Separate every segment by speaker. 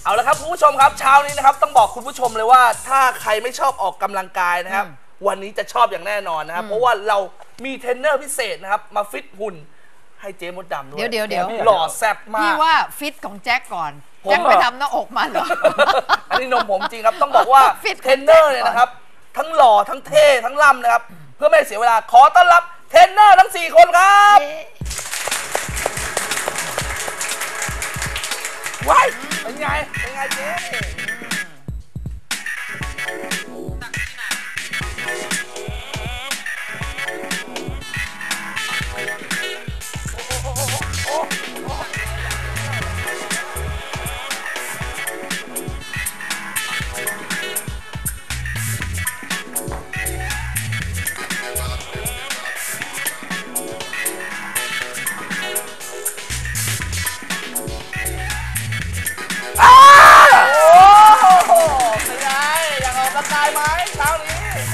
Speaker 1: เอาละครับคุณผู้ชมครับเช้านี้นะครับต้องบอกคุณผู้ชมเลยว่าถ้าใครไม่ชอบออกกำลังกายนะครับวันนี้จะชอบอย่างแน่นอนนะครับเพราะว่าเรามีเทรนเนอร์พิเศษนะครับมาฟิตหุ่นให้เจ๊มดดำด้วย
Speaker 2: เดี๋ยว
Speaker 1: หล่อแซ่บมาก
Speaker 2: พี่ว่าฟิตของแจ็คก่อนแจ็คไปทำหน้าอกมาเหรอ
Speaker 1: อันนี้นมผมจริงครับต้องบอกว่าเทรนเนอร์เนี่ยนะครับทั้งหล่อทั้งเท่ทั้งล่ำนะครับเพื่อไม่เสียเวลาขอต้อนรับเทรนเนอร์ทั้ง4คนครับว้ายเป็นไงเจ๊ตายไหมเช้านี้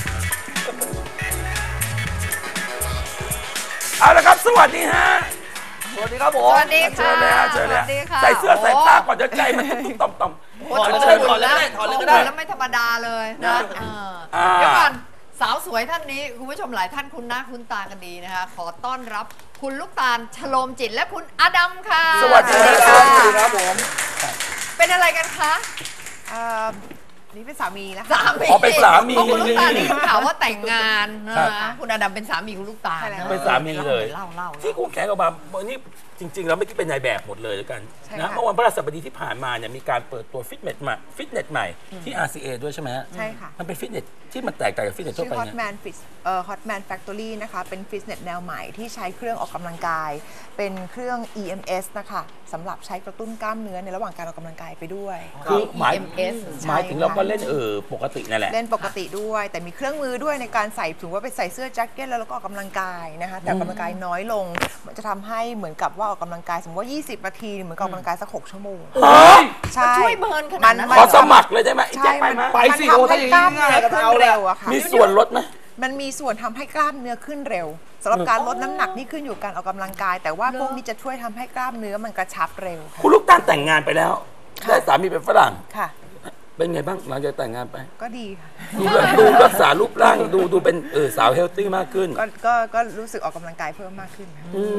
Speaker 3: เอาละครับสวัสดีฮะ
Speaker 1: สวัสดีครับผม
Speaker 2: สวัสดีค่ะ
Speaker 3: เชิญเลยฮะเชิญเลยใส่เสื้อใส่ผ้าก่อนจะใจมันตุ้มต่อม
Speaker 1: ถอดเลยก็ได้
Speaker 2: แล้วไม่ธรรมดาเลยนะเดี๋ยวก่อนสาวสวยท่านนี้คุณผู้ชมหลายท่านคุ้นหน้าคุ้นตากันดีนะคะขอต้อนรับคุณลูกตาลชโลมจิตและคุณอดัมค่ะ
Speaker 3: สวัสดี
Speaker 1: ครับผม
Speaker 2: เป็นอะไรกันคะ
Speaker 4: นี่เป็นสามีนะ
Speaker 3: เป็นสามี
Speaker 2: คุณลูกตาลนี่ข่าวว่าแต่งงานนะคุณอดัมเป็นสามีคุณลูกตาล
Speaker 3: เป็นสามีเลย
Speaker 2: เล่า
Speaker 3: ที่คู่แข่งออกมาวันนี้จริงๆแล้วไม่คิดเป็นนายแบบหมดเลยแล้วกันนะเมื่อวันพฤหัสบดีที่ผ่านมาเนี่ยมีการเปิดตัวฟิตเนสใหม่ที่ RCA ด้วยใช่ไหมฮะ
Speaker 4: ใช่ค่ะ
Speaker 3: มันเป็นฟิตเนสที่มันแตกต่างจากฟิตเนสทั่วไปเนี่ย
Speaker 4: Hotman Factory นะคะเป็นฟิตเนสแนวใหม่ที่ใช้เครื่องออกกำลังกายเป็นเครื่อง EMS นะคะสำหรับใช้กระตุ้นกล้ามเนื้อในระหว่างการออกกำลังกายไปด้วย
Speaker 3: คือหมายถึงเราก็เล่นปกตินั่นแหละ
Speaker 4: เล่นปกติด้วยแต่มีเครื่องมือด้วยในการใส่ถึงว่าไปใส่เสื้อแจ็คเก็ตแล้วก็ออกกำลังกายนะคะแต่ออกกำลังกายน้อยลงมันจะทำให้เหมือนกับว่าออกกำลังกายสมมติว่า20 นาทีเหมือนกับออกกำลังกายสัก6 ชั่วโมง
Speaker 2: ใช่ช่วยเบิร์นขนาดนั้น
Speaker 3: ขอสมัครเลยได้ไหม
Speaker 4: ใช่
Speaker 1: ไปสิโอ้ถ้าอย่างนี้ง่ายก็เอา
Speaker 4: เร็วอะค่ะ
Speaker 3: มีส่วนลดไหม
Speaker 4: มันมีส่วนทำให้กล้ามเนื้อขึ้นเร็วสำหรับการลดน้ำหนักนี่ขึ้นอยู่กับการออกกำลังกายแต่ว่าพวกนี้จะช่วยทำให้กล้ามเนื้อมันกระชับเร็ว
Speaker 3: คุณลูกตาลแต่งงานไปแล้วได้สามีเป็นฝรั่ง
Speaker 4: ค่ะ
Speaker 3: เป็นไงบ้างหลังจากแต่งงานไป
Speaker 4: ก็ดีค่ะ
Speaker 3: ดูรักษารูปร่างดูเป็นสาวเฮลตี้มากขึ้น
Speaker 4: ก็รู้สึกออกกำลังกายเพิ่มมากขึ้น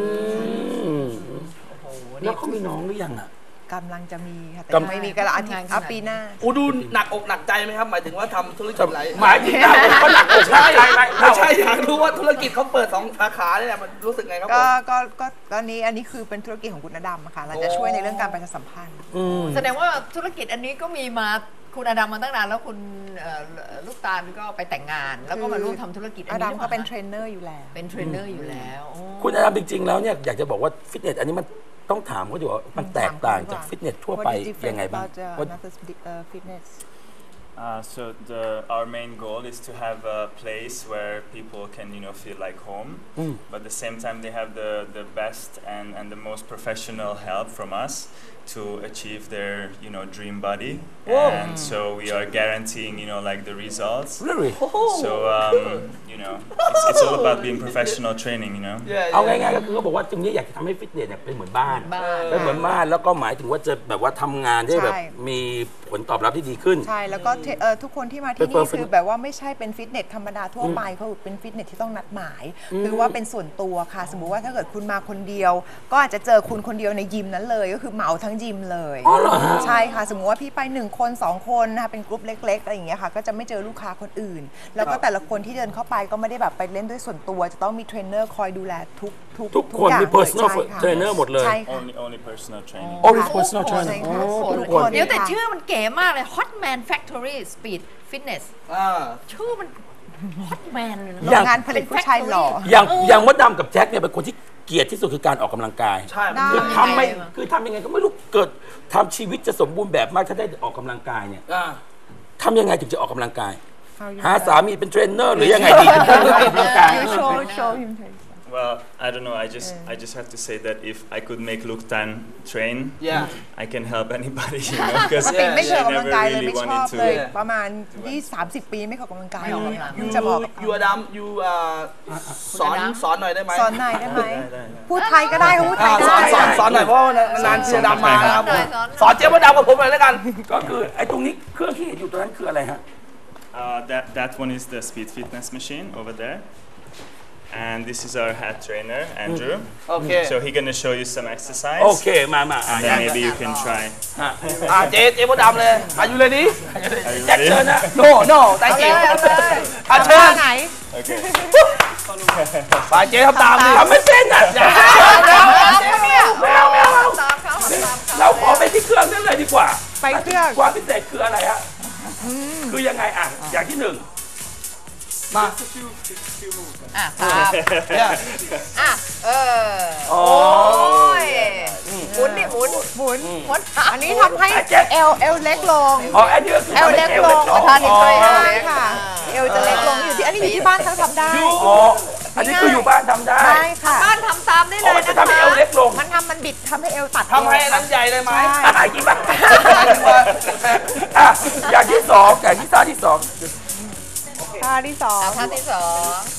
Speaker 3: แล้วเขามีน้องหรือยังอ่ะ
Speaker 4: กำลังจะมีค่ะแต่ไม่มีกันละอาทิตย์ปีหน้า
Speaker 1: ดูหนักอกหนักใจไหมครับหมายถึงว่าทำธุรกิจอะไร
Speaker 3: หมายถึงเขาหนักอกหนักใจ
Speaker 1: ไม่ใช่อยากรู้ว่าธุรกิจเขาเปิด2 สาขาเนี่ยมันรู้สึกไงครับ
Speaker 4: ก็ตอนนี้อันนี้คือเป็นธุรกิจของคุณอดัมค่ะเราจะช่วยในเรื่องการประชาสัมพันธ์
Speaker 2: แสดงว่าธุรกิจอันนี้ก็มีมาคุณอดัมมาตั้งนานแล้วคุณลูกตาลก็ไปแต่งงานแล้วก็มาร่วมทำธุรกิจ
Speaker 4: อดัมก็เป็นเทรนเนอร์อยู่แล้ว
Speaker 3: คุณอดัมจริงๆแล้วเนี่ยอยากจะบอกว่าฟิตเนสอันนี้มันต้องถามเขาดูว่ามันแตกต่างจากฟิตเนสทั่วไปยังไงบ้าง
Speaker 5: So our main goal is to have a place where people can feel like home, but at the same time they have the best and the most professional help from us to achieve their dream body. And so we are guaranteeing like the results.
Speaker 3: Really?
Speaker 5: So it's all about being professional training.
Speaker 3: เอาง่ายๆก็คือเขาบอกว่าตรงนี้อยากจะทำให้ฟิตเนสเนี่ยเป็นเหมือนบ้านแล้วก็หมายถึงว่าจะแบบว่าทำงานได้แบบมีผลตอบรับที่ดีขึ้น
Speaker 4: ใช่แล้วก็ทุกคนที่มาที่นี่คือแบบว่าไม่ใช่เป็นฟิตเนสธรรมดาทั่วไปเขาเป็นฟิตเนสที่ต้องนัดหมายคือว่าเป็นส่วนตัวค่ะสมมุติว่าถ้าเกิดคุณมาคนเดียวก็อาจจะเจอคุณคนเดียวในยิมนั้นเลยก็คือเหมาทั้งยิมเลยใช่ค่ะสมมุติว่าพี่ไป1 คน 2 คนนะคะเป็นกลุ่มเล็กๆอะไรอย่างเงี้ยค่ะก็จะไม่เจอลูกค้าคนอื่นแล้วก็แต่ละคนที่เดินเข้าไปก็ไม่ได้แบบไปเล่นด้วยส่วนตัวจะต้องมีเทรนเนอร์คอยดูแล
Speaker 3: ทุกคนมี personal trainer หมดเลย
Speaker 5: only personal training
Speaker 3: only personal trainer
Speaker 2: เดี๋ยวแต่ชื่อมันเก๋มากเลย Hotman Factory Speed Fitness ชื่อมัน Hotman
Speaker 4: งานผลิตผู้ชายหล่อ
Speaker 3: อย่างมดดำกับแจ็คเนี่ยเป็นคนที่เกลียดที่สุดคือการออกกำลังกาย
Speaker 1: ใช่
Speaker 3: คือทำยังไงก็ไม่รู้เกิดทำชีวิตจะสมบูรณ์แบบมากถ้าได้ออกกำลังกายเนี่ยทำยังไงถึงจะออกกำลังกายหาสามีเป็นเทรนเนอร์หรือยังไงดีถึงจะออกกำลังกาย
Speaker 5: Well, I don't know. I just have to say that if I could make Luktan train,
Speaker 1: Yeah.
Speaker 5: I can help anybody, you know, because
Speaker 4: ปกติไม่เคย
Speaker 5: she
Speaker 4: ออกกำลัง
Speaker 5: never
Speaker 4: กายเลย
Speaker 5: really
Speaker 4: ไม่ชอบ
Speaker 5: wanted
Speaker 4: เลย
Speaker 5: to.
Speaker 4: ประมาณ20-30 ปีไม่เคยออกกำลังกาย
Speaker 2: ไม่ออกกำลัง
Speaker 4: มันจะบอกกับ
Speaker 1: ยูอดัมยูสอนหน่อยได้ไหม
Speaker 4: สอนหน่อยได้ไหม
Speaker 5: ได้
Speaker 4: พูดไทยก็ได้พูดไทย
Speaker 1: ส
Speaker 4: ได้
Speaker 1: อนหน่อยเพราะว่านานๆยูอดัมมานะครับ
Speaker 2: สอนหน่อย
Speaker 1: สอนเจ๊มดดำกับผมหน่อยแล้วกัน
Speaker 3: ก็คือไอ้ตรงนี้เครื่องที่เห็นอยู่ตรงนั้นคืออะไรฮะ
Speaker 5: That one is the speed fitness machine over there. And this is our head trainer, Andrew.
Speaker 1: Okay.
Speaker 5: So he's gonna show you some exercise.
Speaker 3: โอเคมา
Speaker 5: And then maybe you can try.
Speaker 1: เจ๊มดดำเลยอายุเลยนี้
Speaker 5: Are you
Speaker 3: แจ็ค
Speaker 5: ready?
Speaker 3: เชิญนะ
Speaker 1: no thank you
Speaker 2: เอาเลย
Speaker 1: เชิญ
Speaker 4: ไหน
Speaker 5: Okay.
Speaker 1: ไปเจ๊ทำตามดิ
Speaker 3: ทำไม่เป็นอ่ะอย่า
Speaker 2: ไม่เอาตามเขา
Speaker 3: เราขอไปที่เครื่องนั้นเลยดีกว่า
Speaker 4: ไปเครื่อง
Speaker 3: ความพิเศษคืออะไรฮะคือยังไงอ่ะอย่างที่หนึ่ง
Speaker 1: มา
Speaker 2: อ่ะตาม
Speaker 1: เนี่ย
Speaker 2: อ่ะโอ้ยหมุนดิหมุน
Speaker 4: หมุน
Speaker 2: หมุน
Speaker 4: อันนี้ทำให้เอวเล็กลง
Speaker 3: อ๋ออันนี้ก็คือ
Speaker 4: เอวเล็กลง
Speaker 2: ประธานอีกช่วย
Speaker 4: ใช่
Speaker 2: เล็ก
Speaker 4: ค่ะ เอวจะเล็กลงอยู่ที่อันนี้อยู่ที่บ้านเขาทำได้
Speaker 3: อ๋ออันนี้คืออยู่บ้านทำได้
Speaker 4: ใช่ค่ะ
Speaker 2: บ้านทำตามได้เล
Speaker 3: อ๋อย มันจะ
Speaker 2: นะ
Speaker 3: ทำให้เอ
Speaker 2: คะ
Speaker 3: วเล็กลง
Speaker 4: มันบิดทำให้เอวตัด
Speaker 1: ทำให้อันนั้นใหญ่เลยไหม
Speaker 3: อะไรกี่บ้างอ่ะอย่างที่สองอย่างที่ท่าที่สอง
Speaker 4: ท่าที่สอง
Speaker 2: ท่าที่สอง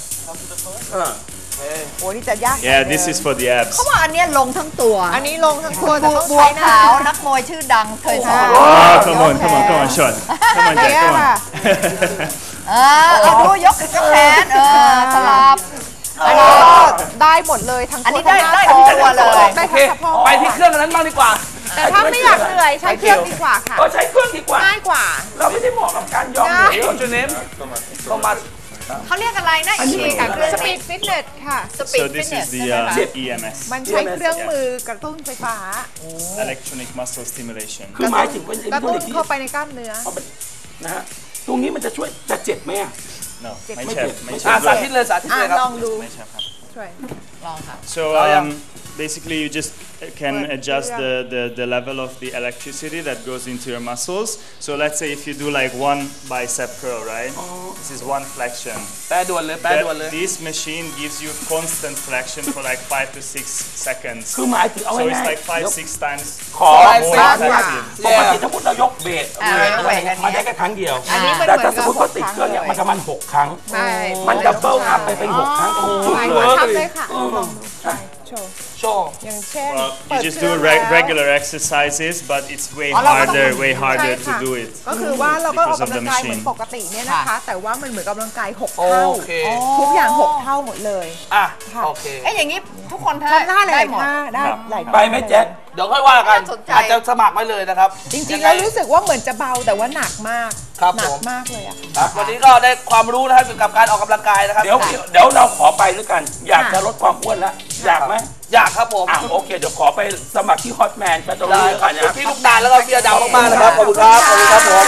Speaker 4: โอ้นี่จะยาก
Speaker 5: Yeah, this is for the abs.
Speaker 2: เขาว่าอันเนี้ยลงทั้งตัว
Speaker 4: อันนี้ลงทั้งตัวแต่ต้อง
Speaker 2: บัว
Speaker 4: ใช้หน้า
Speaker 2: ขาวนักมวยชื่อดังเคยสอน
Speaker 5: Oh, come on, Sean. Come on,
Speaker 4: เนี่ย
Speaker 5: Jack, come
Speaker 4: ค่ะ
Speaker 5: on.
Speaker 2: เอาดูยกแขนสลับ
Speaker 4: อันนี้ก็ได้หมดเลยทั้ง
Speaker 2: อันนี้
Speaker 4: ตัว
Speaker 2: ได้
Speaker 4: ทั้งห
Speaker 2: ได้
Speaker 4: น้า
Speaker 2: ทั้งตัวเลย
Speaker 4: ได้
Speaker 1: โอเค
Speaker 4: ทั้งสะโพก
Speaker 1: ไปที่เครื่องอันนั้นบ้างดีกว่า
Speaker 4: แต่ถ้าไม่อยากเหนื่อยใช้เครื่องดีกว่าค่ะ
Speaker 3: ก็ใช้เครื่องดีกว่า
Speaker 4: ง่ายกว่า
Speaker 3: เราไม่ได้เหมาะกับการยอมเหนื่อย
Speaker 1: What's your name โทมัส
Speaker 2: เขาเรียกอะไรนะอีกทีค่ะเครื่อง
Speaker 4: สปีดฟิตเนสค่ะ
Speaker 2: สปีด
Speaker 5: So
Speaker 2: ฟิต
Speaker 5: this
Speaker 2: เนส
Speaker 5: is
Speaker 2: ใช่ไหม
Speaker 5: the
Speaker 2: คะ
Speaker 5: EMS,
Speaker 4: มันใช้เครื่องมือกระตุ้นไฟฟ้า
Speaker 5: electronic muscle stimulation.
Speaker 3: คือหมายถึงเป็นอิ
Speaker 4: กระ
Speaker 3: เล็กทรอ
Speaker 4: ตุ้
Speaker 3: นิ
Speaker 4: น
Speaker 3: กส์ที่
Speaker 4: เข้าไปในกล้ามเนื้อ
Speaker 3: นะฮะตรงนี้มันจะช่วยจะเจ็บไหมอ่ะ
Speaker 5: No, my
Speaker 3: Make
Speaker 5: chef,
Speaker 3: it.
Speaker 5: my
Speaker 1: สา
Speaker 5: chef.
Speaker 1: ธิตเลยสาธิตเลยครับ
Speaker 4: ลองดู
Speaker 5: My chef.
Speaker 4: ช่วย
Speaker 2: ลองค่ะ
Speaker 5: So basically, you just can adjust the level of the electricity that goes into your muscles. So let's say if you do like one bicep curl, right? This is one flexion.
Speaker 1: แปลด่วนเลยแปลด่วนเลย
Speaker 5: This machine gives you constant flexion for like 5 to 6 seconds.
Speaker 3: คือหมายถึงเอา
Speaker 5: So
Speaker 3: ง่า
Speaker 5: it's
Speaker 3: ย
Speaker 5: like 5-6 times
Speaker 3: ๆขอ
Speaker 1: Five,
Speaker 5: more
Speaker 1: six,
Speaker 5: effective.
Speaker 3: ปกติถ้าพูดเรายกเบส
Speaker 2: เวทอันเนี้ย
Speaker 3: มาได้แค่ครั้งเดียว
Speaker 4: อันนี้มัน
Speaker 3: แต่
Speaker 4: เหมือน
Speaker 3: ถ้าสมมติเขาติดเครื่องเนี่ยมันจะมัน6 ครั้ง
Speaker 4: ไม่
Speaker 3: มันดับเบิลอัพไปเป็น6 ครั้งทุก
Speaker 4: ไม่
Speaker 3: เลย
Speaker 4: ทำเลยค่ะลองดูใช่โชว์
Speaker 1: โชว์
Speaker 4: อย่างเช่น
Speaker 5: Well,
Speaker 4: เปิ
Speaker 5: you
Speaker 4: ด
Speaker 5: just
Speaker 4: เครื่
Speaker 5: do
Speaker 4: องแล้ว
Speaker 5: regular exercises, but it's way
Speaker 4: อ๋อเราก็ต้อง
Speaker 5: way harder
Speaker 4: ใช่
Speaker 5: to
Speaker 4: ค่ะ
Speaker 5: do it.
Speaker 4: ก็คือว่าเราก็ออก
Speaker 5: Because of
Speaker 4: กำลั
Speaker 5: the
Speaker 4: งกายเหมือน
Speaker 5: machine.
Speaker 4: ปกติเนี่ยนะคะ แต่ว่ามันเหมือนกำลังกาย6
Speaker 1: โอ
Speaker 4: เท่า
Speaker 1: เค
Speaker 4: ทุกอย่าง6เท่าหมดเลย
Speaker 1: อ่ะ
Speaker 4: ค่ะ
Speaker 1: โอเค
Speaker 2: เอ้ยอย่างนี้ทุกคน
Speaker 4: ทำได้ห
Speaker 2: ได้
Speaker 4: ลาย
Speaker 2: หมด
Speaker 4: ท่าได้
Speaker 5: ครับ
Speaker 4: หลาย
Speaker 3: ไปไหมแจ็ค
Speaker 1: เดี๋ยวค่อยว่ากัน
Speaker 2: น่าสนใจ
Speaker 1: อาจจะสมัครไว้เลยนะครับ
Speaker 4: จริงๆแล้วรู้สึกว่าเหมือนจะเบาแต่ว่าหนักมาก
Speaker 1: ครับ
Speaker 4: หนั
Speaker 1: ผม
Speaker 4: มากเลยอะค่ะ
Speaker 1: ครับวันนี้ก็ได้ความรู้นะครับเกี่ยวกับการออกกำลังกายนะครับ
Speaker 3: เดี๋ยวเราขอไปด้วยกัน อยากจะลดความอ้วนแล้วอยากไหม
Speaker 1: อยากครับผม
Speaker 3: อ่ะโอเคเดี๋ยวขอไปสมัครที่ฮอตแมนไปตรงนี้
Speaker 1: ได้
Speaker 3: ด้วย
Speaker 1: ครั
Speaker 3: กับ นนะ
Speaker 1: พี่ลูกตาลแล้วก็พี่อดาวมากๆนะครับขอบคุณครับขอบคุณครับผม